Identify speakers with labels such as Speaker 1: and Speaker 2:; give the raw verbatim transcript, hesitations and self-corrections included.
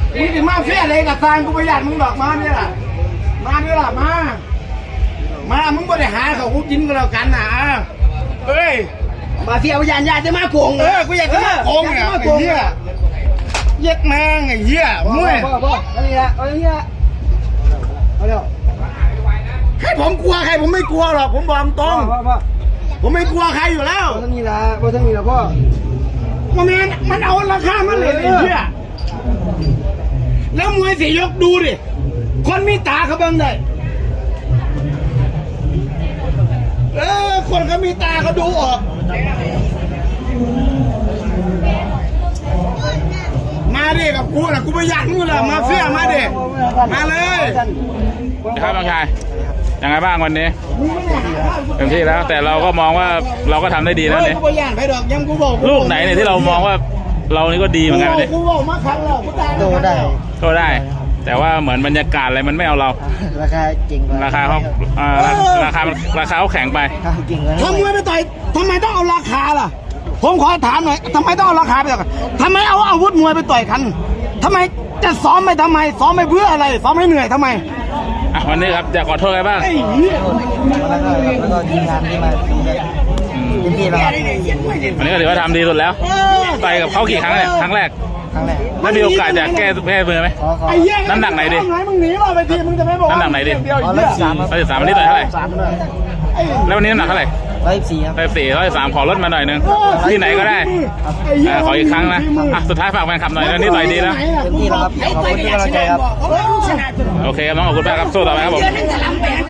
Speaker 1: มึงจะมาเฟี้ยอะไรกับทางกูประหยัดมึงดอกมาเนี่ยล่ะมาเนี่ยล่ะมามามึงไม่ได้หาเขากูกินกันแล้วกันนะเอ้ยมาเฟี้ยประหยัดอยากจะมาโกงเออกูอยากจะมาโกงเนี่ยไอ้เหี้ยเย็ดแมงไอ้เหี้ยมั่วพ่อพ่อเอาเนี่ยเอาเนี่ยเอาเดี๋ยวให้ผมกลัวใครผมไม่กลัวหรอกผมบอกตรงผมไม่กลัวใครอยู่แล้วบ่ต้องมีละบ่ต้องมีละพ่อมันมันเอาราคามาเลยไอ้เหี้ยแล้วมวยสี่ยกดูดิคนมีตาเขาเบิ่งได้เออคนเขามีตาเขาดูออกมาดิกับกูนะกูไม่อยากมึงเลยมาเฟี้ยมาดิมาเลย
Speaker 2: ครับน้องชายยังไงบ้างวันนี้เต็มที่แล้วแต่เราก็มองว่าเราก็ทำได้ดีนะเนี่ยลูกไหนเนี่ยที่เรามองว่าเรานี่ก็ดีเหมือนกันเนี่ย
Speaker 1: โตได้
Speaker 2: โตได้แต่ว่าเหมือนบรรยากาศอะไรมันไม่เอาเรา
Speaker 1: ราคาจริง
Speaker 2: ราคาเขาราคาราคาเขาแข็งไป
Speaker 1: ทำมวยไปต่อยทำไมต้องเอาราคาล่ะผมขอถามหน่อยทำไมต้องเอาราคาไปต่อยกันทำไมเอาอาวุธมวยไปต่อยกันทำไมจะซ้อมไปทำไมซ้อมไปเพื่ออะไรซ้อมให้เหนื่อยทำไม
Speaker 2: วันนี้ครับจะขอโทษอะไรบ้าง
Speaker 1: แล้วก็แล้วก็ทีมงานที่มาเต็มที่แล้ว
Speaker 2: วันนี้ก็ถือว่าทำดีสุดแล้วต่อยกับเขากี่ครั้งเนี่ยครั้งแรก
Speaker 1: ครั้งแรก
Speaker 2: แล้วมีโอกาสจะแก้แก้มือไหมน้ำหนักไหนดิน้ำหนักไหนดิ
Speaker 1: ร้อยสาม
Speaker 2: ร้อยสามวันนี้ต่อยเท่าไหร่แล้ววันนี้น้ำหนักเท่าไหร่
Speaker 1: ร้อยสี่ครับ
Speaker 2: ร้อยสี่ร้อยสามขอลดมาหน่อยนึงที่ไหนก็ได้ขออีกครั้งนะสุดท้ายฝากแฟนคลับหน่อยวันนี้ต่อยดีแล้ว
Speaker 1: เต็มที่แล้วครับขอบคุณที่กำลังใจครับ
Speaker 2: โอเคครับน้องขอบคุณมากครับสู้ต่อไปครับผม